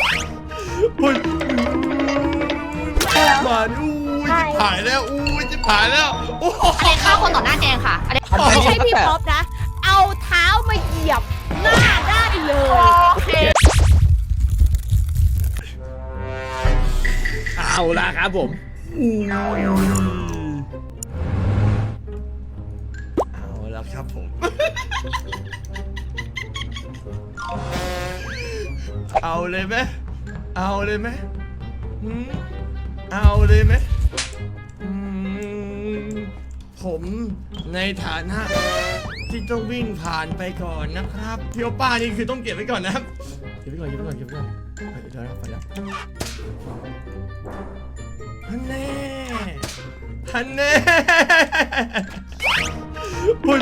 อุ้ยมาอู้ยจะผ่ายแล้วอู้ยจะผ่ายแล้วโอ้โหอันนี้ฆ่าคนต่อหน้าแจงค่ะอันนี้ไม่ใช่พี่ป๊อปนะ เอาเท้ามาเหยียบหน้าได้เลยโอเคเอาละครับผมเอาแล้วครับผมเอาเลยไหมเอาเลยไหมเอาเลยไหมผมในฐานะที่ต้องวิ่งผ่านไปก่อนนะครับพี่โอป้านี่คือต้องเก็บไว้ก่อนนะครับเก็บไว้ก่อนเก็บไว้ก่อนเก็บไว้ก่อนไปเดี๋ยวนะไปแล้วฮันแน่ฮันแน่อุ้ย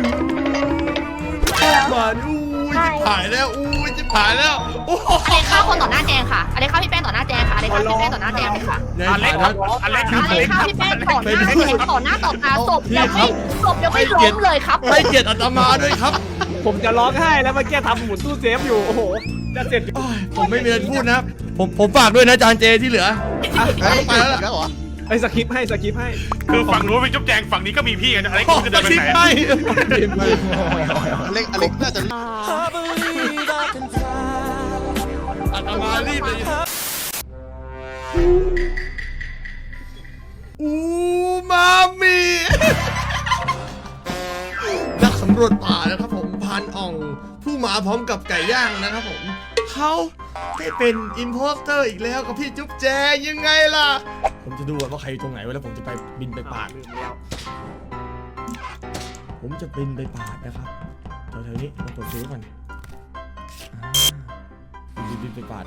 มาอู้ยจะผ่ายแล้วอู้ยจะผ่ายแล้วโอ้โหอันนี้ฆ่าคนต่อหน้าแจงค่ะอันนี้ฆ่าพี่แป้งต่อหน้าแจงค่ะอันนี้ฆ่าพี่แป้งต่อหน้าแจงเลยค่ะในอเล็กฐานะอเล็กอันนี้ฆ่าพี่แป้งต่อหน้าแจงต่อหน้าต่อตาศพยังไม่ล้มเลยครับให้เกียรติอาตมาด้วยครับผมจะร้องไห้แล้วเมื่อกี้ทำหมุนตู้เซฟอยู่โอ้โหจะเสร็จอยู่โอ้ยผมไม่มีอะไรพูดนะครับผมฝากด้วยนะอาจารย์เจที่เหลือไปแล้วล่ะแล้วเหรอไอ้สคริปต์ให้สคริปต์ให้คือฝั่งนู้นเป็นจุ๊บแจงฝั่งนี้ก็มีพี่กันอะไรก็จะเดินไปทิ้งไหนให้อเล็กน่าจะอาตมารีบเลยอูมามินักสำรวจป่านะครับผมพันอ่องผู้หมาพร้อมกับไก่ย่างนะครับผมเขาได้เป็นอิมโพสเตอร์อีกแล้วกับพี่จุ๊บแจยังไงล่ะผมจะดูว่าใครอยู่ตรงไหนไว้แล้วผมจะไปบินไปปาดลืมแล้วผมจะบินไปปาดนะครับแถวๆนี้มาตรวจดูก่อนบินไปปาด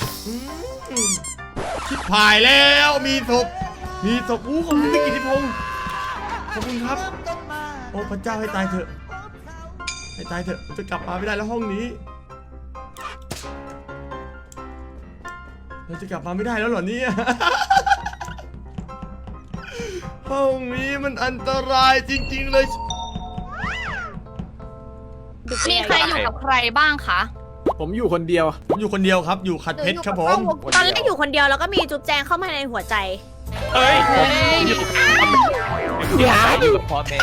ชิบหายแล้วมีศพอู้ขอบคุณพี่กิติพงศ์ขอบคุณครับโอ้พระเจ้าให้ตายเถอะให้ตายเถอะผมจะกลับมาไม่ได้แล้วห้องนี้เราจะกลับมาไม่ได้แล้วเหรอเนี่ย ห้องนี้มันอันตรายจริงๆเลยมีใครอยู่กับใครบ้างคะผมอยู่คนเดียวผมอยู่คนเดียวครับอยู่ขัดเพชรครับผมตอนแรกอยู่คนเดียวแล้วก็มีจุ๊บแจงเข้ามาในหัวใจเฮ้ยอยู่กับพ่อแม่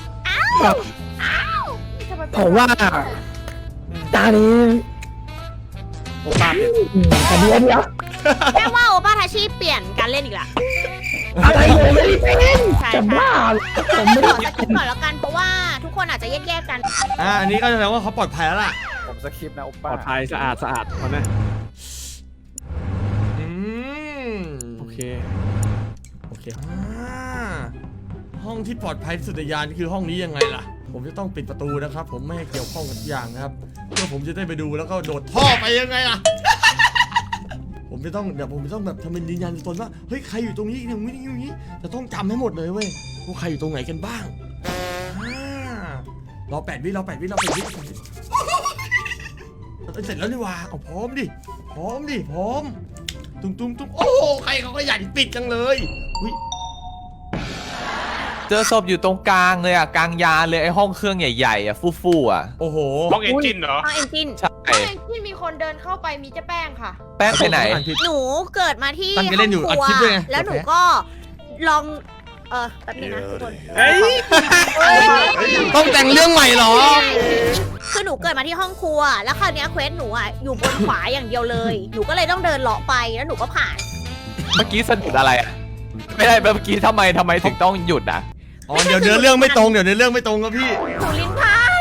ผมว่าตานี้ผมตามเนี่ยแต่เดียวแม่ว่าโอป้าทาชิเปลี่ยนการเล่นอีกละอะไรเลยไม่ได้เป็นใช่จะใช่บ้าผมไม่ขได้อสกิปก่อนแล้วกันเพราะว่าทุกคนอาจจะแยกๆกันอันนี้ก็แสดงว่าเขาปลอดภัยแล้วล่ะผมสคริปต์นะโอปป้าลอดภัยสะอาดเขานะอืมโอเคห้องที่ปลอดภัยที่สุดในยานคือห้องนี้ยังไงล่ะ ผมจะต้องปิดประตูนะครับ ผมไม่ให้เกี่ยวข้องกับทุกอย่างนะครับเพื่อผมจะได้ไปดูแล้วก็โดดท่อไปยังไงล่ะ ผมจะต้องแบบทำเป็นยืนยันตนว่าเฮ้ยใครอยู่ตรงนี้อย่างนี้จะต้องจำให้หมดเลยเว้ยว่าใครอยู่ตรงไหนกันบ้างรอ8 วิเสร็จแล้วนี่ว่าเอาพร้อมดิพร้อมตุ้มโอ้โหใครเขาก็อยากปิดจังเลยอุ้ยเจอศพอยู่ตรงกลางเลยอ่ะกลางยานเลยไอ้ห้องเครื่องใหญ่ๆอ่ะฟู่ๆอ่ะโอ้โหห้องเอนจินเหรอห้องเอนจินใช่ที่มีคนเดินเข้าไปมีเจ๊แป้งค่ะแป้งไปไหนหนูเกิดมาที่ตั้งใจเล่นอยู่ห้องครัอัดคลิปด้วยไงแล้วหนูก็ลองแป๊บนึงนะทุกคนเฮ้ยต้องแต่งเรื่องใหม่เหรอคือหนูเกิดมาที่ห้องครัว แล้วคราวเนี้ยเควสหนูอ่ะอยู่บนขวาอย่างเดียวเลย หนูก็เลยต้องเดินเลาะไปแล้วหนูก็ผ่านเมื่อกี้สะดุดอะไรอ่ะไม่ได้เมื่อกี้ทำไมถึงต้องหยุดอ่ะอ๋อเดี๋ยวเนื้อเรื่องไม่ตรงครับพี่หนูลิ้นพัน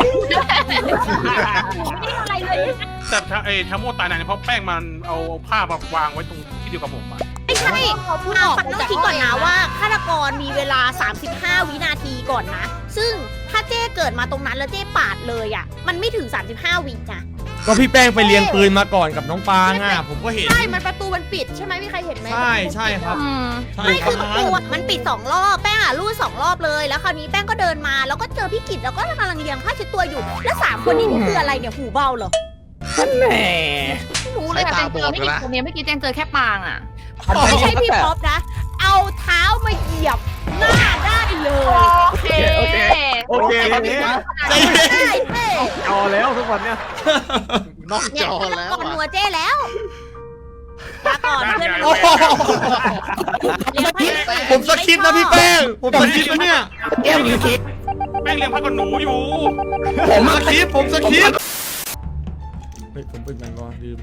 ไม่อะไรเลยแต่ถ้าโมตายนานเพราะแป้งมันเอาผ้ามาวางไว้ตรงที่เดียวกับผมอะไม่ใช่ฟังต้องคิดก่อนนะว่าฆาตกรมีเวลา 35 วินาทีก่อนนะ ซึ่งถ้าเจ้เกิดมาตรงนั้นแล้วเจ้ปาดเลยอ่ะ มันไม่ถึง 35 วินะก็พี่แป้งไปเรียนปืนมาก่อนกับน้องปางอ่ะผมก็เห็นใช่ มันประตูมันปิดใช่ไหมมีใครเห็นไหมใช่ครับ ใช่ไม่ครัคืบอประตูอะมันปิด2 รอบ แป้งอ่ะรูด2 รอบเลย แล้วคราวนี้แป้งก็เดินมา แล้วก็เจอพี่กิจแล้วก็กำลังเลียงผ้าเช็ดตัวอยู่ แล้ว3 คนนี้นี่คืออะไรเนี่ย หูเบาเหรอท่านแหน่ไม่รู้เลยอะแจงเจอไม่กี่คนเนี่ยเมื่อกี้แจงเจอแค่ปางอ่ะไม่ใช่พี่ป๊อปนะ เอาเท้ามาเหยียบหน้าได้เลยโอเคโอเคเนี่ยใจเย็นได้เจ้จอแล้วทุกวันเนี่ยนอกจอแล้วก่อนอ่ะหัวเจ้แล้วโอ้โห ผมสคริปต์นะพี่แป้ง ผมสคริปต์นะเนี่ยแก้วอยู่คิดแป้งเลี้ยงพักกับหนูอยู่ผมสคริปต์ผมสคริปต์เฮ้ยผมเป็นแมงกอลืม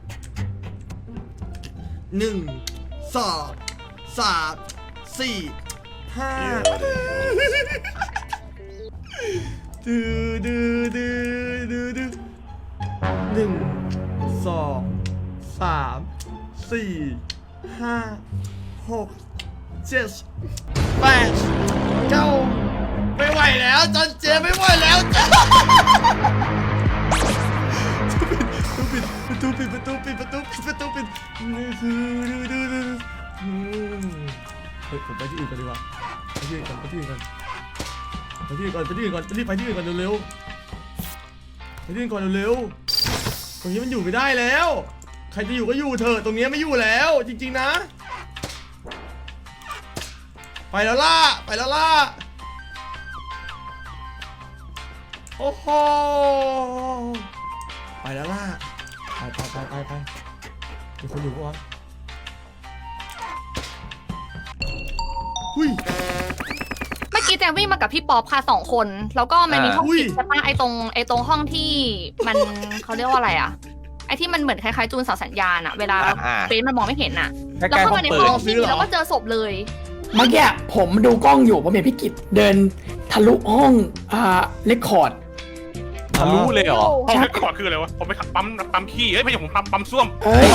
1 2 3 4 5ดื้อ1 2 3 4 5 6 7 8 9ไม่ไหวแล้วจอนเจไม่ไหวแล้วจ้าประตูปิดนี่คือเฮ้ยผมไปที่อื่นกันดีกว่าไปที่อื่นก่อนรีบไปที่อื่นก่อนเร็วๆไปที่อื่นก่อนเร็วๆตรงนี้มันอยู่ไม่ได้แล้วใครจะอยู่ก็อยู่เถอะตรงนี้ไม่อยู่แล้วจริงๆนะไปแล้วล่ะโอ้โหไปแล้วล่ะไปมีคนอยู่ปะวะหุยเมื่อกี้แจงวิ่งมากับพี่ป๊อปค่ะ2 คน แล้วก็มันมีห้องปิดใช่ปะไอ้ตรงห้องที่มันเขาเรียกว่าอะไรอะไอ้ที่มันเหมือนคล้ายๆจูนเสาสัญญาณอะเวลาเฟซมันมองไม่เห็นอะใกล้แล้วๆเข้าห้อมาง ในปืห้นองที่แล้วก็เจอศพเลยเมื่อกี้ผมดูกล้องอยู่ผมเห็นพี่กิจเดินทะลุห้องเรคคอร์ดทะลุเลยเหรอห้องเล็กขอคืออะไรวะผมไปขับปั๊มขี้เอ้ยไม่ใช่ผมปั๊มส้วมเอ้ย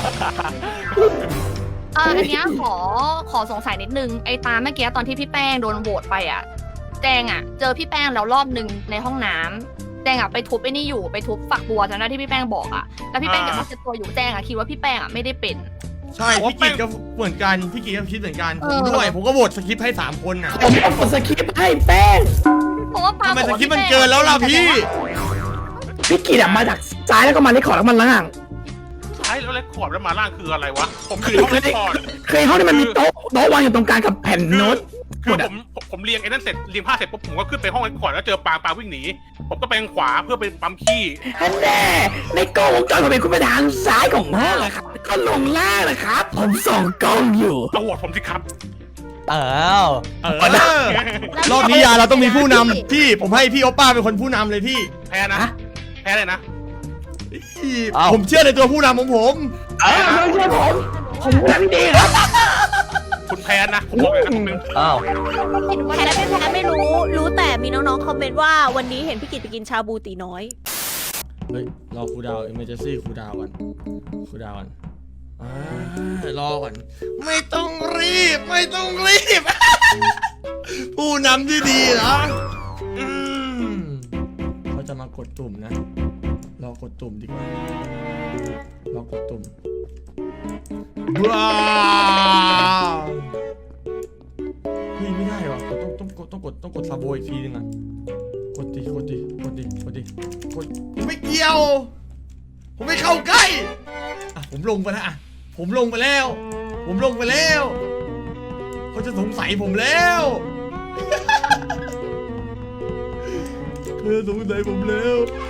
อันเนี้ยขอสงสัยนิดนึงไอ้ตาเมื่อกี้ตอนที่พี่แป้งโดนโหวตไปอะแจงอะเจอพี่แป้งแล้วรอบนึงในห้องน้ำแจงอะไปทุบไอ้นี่อยู่ไปทุบฝักบัวจำได้ที่พี่แป้งบอกอะแล้วพี่แป้งเก็บมาเช็ดตัวอยู่แจงอะคิดว่าพี่แป้งอะไม่ได้เป็นใช่พี่กิจก็เหมือนกันพี่กิจก็คิดเหมือนกันผมด้วยผมก็โหวตสคริปต์ให้3 คนน่ะผมเอากดสคริปต์ให้แป้งเพราะว่าปาทำไมบอกสว่าคริปต์มันพี่แป้งเกินแล้วล่ะพี่พี่กิจมาจากซ้ายแล้วก็มาเรคคอร์ดแล้วมันล่างใช่แล้วเล็กขอบแล้วมาล่างคืออะไรวะผมคือห้องเล็กขอบเคยห้องที่มันมีโต๊ะวางอยู่ตรงกลางกับแผ่นโน้ตคือผมเรียงไอ้นั่นเสร็จเรียงผ้าเสร็จปุ๊บผมก็ขึ้นไปห้องเล็กขอบแล้วเจอปางวิ่งหนีผมก็ไปทางขวาเพื่อไปปั๊มขี้อันแน่ในกล้องวงจรผมเป็นคุณไปทางซ้ายของห้องอะครับก็ลงล่างนะครับ ผมส่องกล้องอยู่เอาโหวตผมสิครับรอบนี้ยาเราต้องมีผู้นำพี่ผมให้พี่โอป้าเป็นคนผู้นำเลยพี่แพ้นะแพ้เลยนะผมเชื่อในตัวผู้นำของผมไม่ใช่ผมทำดีครับคุณแพ้นะผมบอกเลยนะผมเป็นอ้าวแพ้ไม่แพ้ไม่รู้แต่มีน้องๆคอมเมนต์ว่าวันนี้เห็นพี่กิตไปกินชาบูตีน้อยเฮ้ยรอครูดาวเอเมอร์เจนซี่ครูดาวก่อนรอก่อนไม่ต้องรีบ ผู้นำที่ดีนะเขาจะมากดตุ่มนะรอกดตุ่มดีกว่ารอกดตุ่มว้าวเฮ้ยไม่ได้ว่ะต้องกดซาโบอีกทีนึงอ่ะกดดิไม่เกี่ยวผมไม่เข้าใกล้อ่ะผมลงไปแล้วอ่ะผมลงไปแล้วเขาจะสงสัยผมแล้วเธอสงสัยผมแล้ว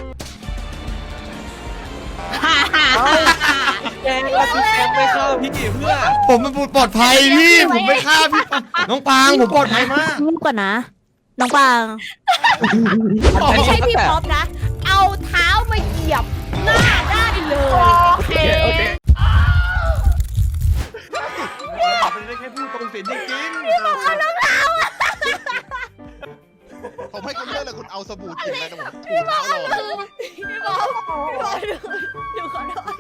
แกแล้วพี่แกไม่เข้าพี่เพื่อผมมันปลอดภัยพี่ผมไม่ฆ่าพี่ปางน้องปางผมปลอดภัยมากรูปก่อนนะ น้องปางไม่ใช่พี่ป๊อปนะ เอาเท้ามาเหยียบหน้าได้เลยโอเคไม่ได้แค่พูดตรงสิจริงผมให้คุณเลือกเลยคุณเอาสบู่กินอะไรนะผมถูเท้าหล่อเลยพี่ป๊อปดูขอโทษ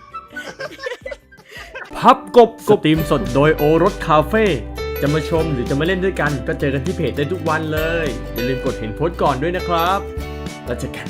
พับกบสตรีมสดโดยโอรสคาเฟ่จะมาชมหรือจะมาเล่นด้วยกันก็เจอกันที่เพจได้ทุกวันเลย อย่าลืมกดเห็นโพสต์ก่อนด้วยนะครับแล้วเจอกัน